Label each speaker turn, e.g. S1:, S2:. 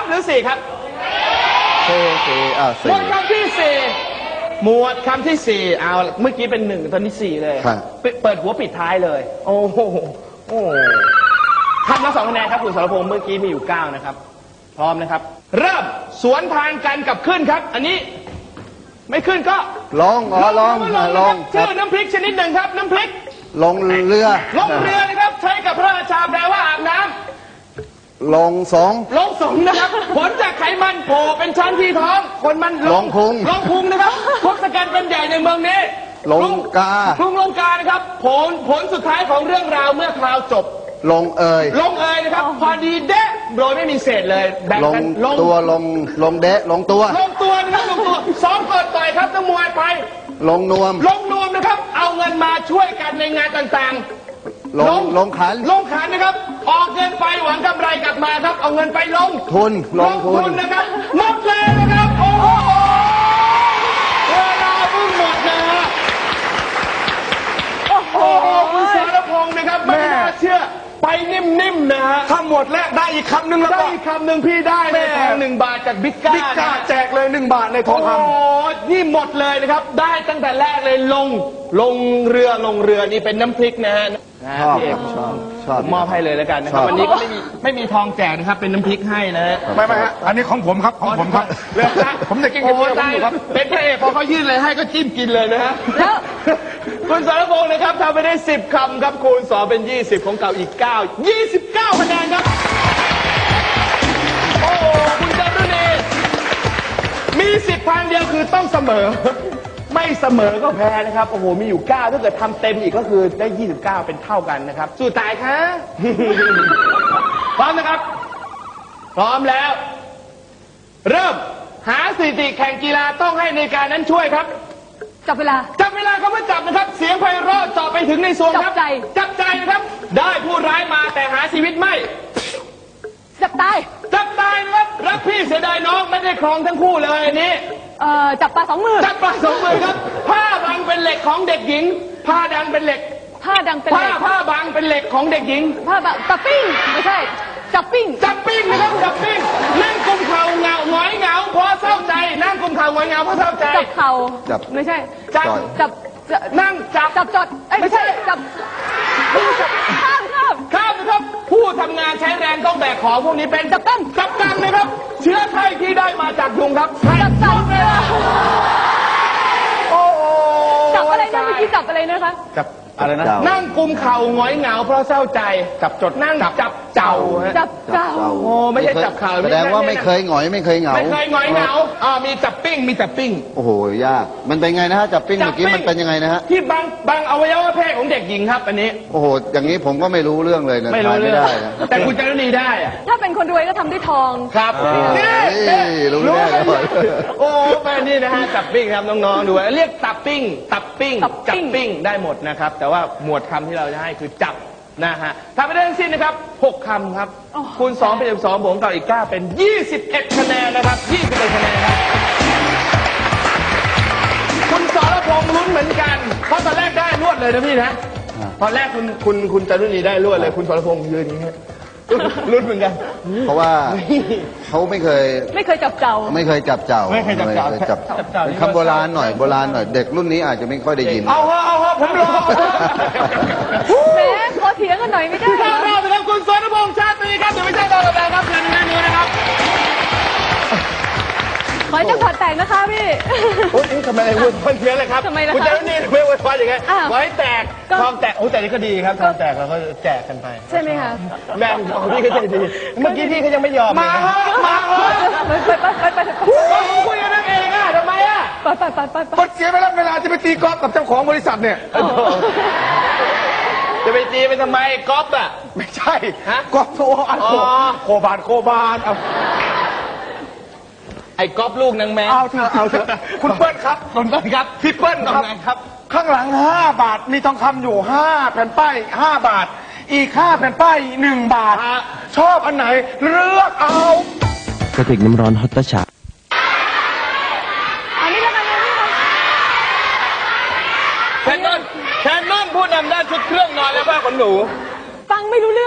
S1: 3หรือ4ครับหมวดคำที่4หมวดคำที่4เอาเมื่อกี้เป็น1ตอนนี้4เลยเปิดหัวปิดท้ายเลยโอ้โหคำละ2คะแนนครับคุณสรพงษ์เมื่อกี้มีอยู่9นะครับพร้อมนะครับเริ่มสวนทางกันกับขึ้นครับอันนี้ไม่ขึ้นก็
S2: ลง
S1: ชื่อน้ำพริกชนิดหนึ่งครับน้ำพริก
S2: ลงเรือ
S1: นะครับใช้กับพระราชาแปลว่าอาบน้ำ
S2: ลงสง
S1: นะครับผลจากไขมันโผล่เป็นชั้นที่ท้องคนมัน
S2: ลง
S1: พุงนะครับพวกสแกนเป็นใหญ่ในเมืองนี้
S2: ลงกา
S1: นะครับผลสุดท้ายของเรื่องราวเมื่อคราวจบ
S2: ลงเอย
S1: นะครับพอดีเดะโดยไม่มีเศษเลยแบ่งกัน
S2: ลงตัวนะครับลงตัว
S1: ซ้อมเปิดต่อยครับนักมวยไป
S2: ลงนวม
S1: นะครับเอาเงินมาช่วยกันในงานต่างๆ
S2: ลงขัน
S1: นะครับออกเงินไปหวังกำไรกลับมาครับเอาเงินไปลง
S2: ทุน
S1: นะครับหมดเลยนะครับโอ้โหเวลาเพิ่งหมดนะฮะโอ้โหคุณสรพงษ์นะครับไม่น่าเชื่อไปนิ่มๆนะฮะ
S3: ถ้าหมดแล้วได้อีกคำหนึ่งแล้ว
S1: ได้อีกคำหนึ่งพี่ได้ในทอง1 บาทจากบิ๊กก้า
S3: แจกเลย1 บาทในทองคำ
S1: โอ้นี่หมดเลยนะครับได้ตั้งแต่แรกเลยลงเรือนี่เป็นน้ำพริกนะฮะพี่เอกชอบมอบให้เลยแล้วกันนะครับวันนี้ก็ไม่มีทองแจกนะครับเป็นน้ำพริกให้นะฮะ
S3: ไม่ฮะอันนี้ของผมครับเรื่องผมจะกินกับพี่ผมอยู่ครับ
S1: เป็นพระเอกพอเขายื่นเลยให้ก็จิ้มกินเลยนะฮะแล้วคุณสรพงษ์นะครับทำไปได้10 คำครับคูณ2เป็น20ของเก่าอีก29คะแนนครับโอ้คุณจารุณีมี10 ทางเดียวคือต้องเสมอไม่เสมอก็แพ้นะครับโอ้โหมีอยู่9ถ้าเกิดทำเต็มอีกก็คือได้29เป็นเท่ากันนะครับสู้ตายคะพร้อมนะครับพร้อมแล้วเริ่มหาสถิติแข่งกีฬาต้องให้ในการนั้นช่วยครับ
S4: จับเวลา
S1: ครับว่าจับนะครับเสียงไพเราะเจาะไปถึงในส่วนครับจับใจนะครับได้ผู้ร้ายมาแต่หาชีวิตไม่
S4: จับตาย
S1: นะครับรักพี่เสียดายน้องไม่ได้ครองทั้งคู่เลยอันนี้
S4: จับปลา2 มือ
S1: ครับผ้าบังเป็นเหล็กของเด็กหญิงผ้าดังเป็นเหล็ก
S4: ผ้าบัง
S1: เป็นเหล็กของเด็กหญิง
S4: ผ้าบังจับปิ้งไม่ใช่จับปิ้ง
S1: นะครับจับปิ้งนั่งกุมเข่าหงอยเหงาเพราะเศร้าใจนั่งกุมเข่าหงอยเหงาเพราะเศร้าใจ
S4: จับเข่าไม่ใช่จับ
S1: นั่งจับ
S4: จดไม่ใช่จับข้าม
S1: นะครับผู้ทำงานใช้แรงต้องแบกของพวกนี้เป็นจับกังนะครับเชื้อไข้ที่ได้มาจากยุงครับ
S4: จับโอ้จับอะไรนะเมื่อกี้จับอะไรนะคะ
S1: จับอะไรนะนั่งกุมเข่าหงอยเหงาเพราะเศร้าใจจับจดนั่งจับเจ้าโอ้ไม่ใช่จับเข่า
S2: แสดงว่าไม่เคยหงอยไม่เคยเหงา
S1: มีจับปิ้ง
S2: โอ้โหยากมันเป็นไงนะฮะจับปิ้งเมื่อกี้มันเป็นยังไงนะฮะ
S1: ที่บังอวัยวะเพศของเด็กหญิงครับอันนี้
S2: โอ้โหอย่างนี้ผมก็ไม่รู้เรื่องเลยนะ
S1: ไม่ได้แต่คุณจารุณีได้
S4: ถ้าเป็นคนรวยก็ทำด้วยทอง
S1: ครับ
S2: รู้แน่เลย
S1: โอ้แม่นี่นะฮะจับปิ้งครับน้องๆดูเรียกตับปิ้งจับปิ้งได้หมดนะครับแต่ว่าหมวดคำที่เราจะให้คือจับนะฮะทำไปได้ทั้งสิ้นนะครับ6 คำครับคูณ2เป็น12บวกกับอีก9เป็น21 คะแนนนะครับ21 คะแนนครับคุณสรพงษ์ลุ้นเหมือนกันเพราะตอนแรกได้รวดเลยนะพี่นะตอนแรกคุณจารุณีได้รวดเลยคุณสรพงษ์ยืนอย่างนี้ลุ้นเหมือนกัน
S2: เพราะว่าเขาไม่เคย
S4: จับเจ้า
S2: เป็นคำโบราณหน่อยเด็กรุ่นนี้อาจจะไม่ค่อยได้ยิน
S1: เอาผมรอ
S4: แม่ขอเถียงกันหน่อยไม่ได้
S1: ครับครับคุณสรพงษ์ชาตรีครับเดี๋ยวไม่ใช่เราแล้วครับเชิญนั่งดูนะครับ
S4: ขอให้เจ้าขอแตกนะคะพี่
S1: โอ้ยทำไมอะไรวุ่นวายเยอะเลยครับคุณจารุณีไม่วุ่นวายอย่างไงไว้แตกทองแตกโอ้แต่นี่ก็ดีครับทองแตกเราก็แจกกันไป
S4: ใช่ไหมคะ
S1: แม่ของพี่ก็ใจดีเมื่อกี้พี่เขายังไม่ยอมมาไปคุยกันนั่นเองอ่ะทำไมอ่ะ
S4: ไป
S3: เสียเวลาจะไปตีกอล์ฟกับเจ้าของบริษัทเนี่ย
S1: จะไปตีไปทำไมกอล์ฟอ่ะ
S3: ไม่ใช่กอล์ฟโคบาน
S1: ไอ้ก๊อฟลูกนางแมว
S3: เอาเถอะคุณเปิ้ลครับ
S1: พี่เปิ้ลครับ
S3: ข้างหลัง5 บาทมีทองคำอยู่5 แผ่นป้าย5 บาทอีก5 แผ่นป้าย1 บาทชอบอันไหนเลือกเอา
S5: กระติกน้ำร้อนฮอตชา
S4: อันนี้แล้วกัน
S1: แคนนอนผู้นำด้านชุดเครื่องนอนและผ้าขนหนู
S4: ฟังไม่รู้เรื่อง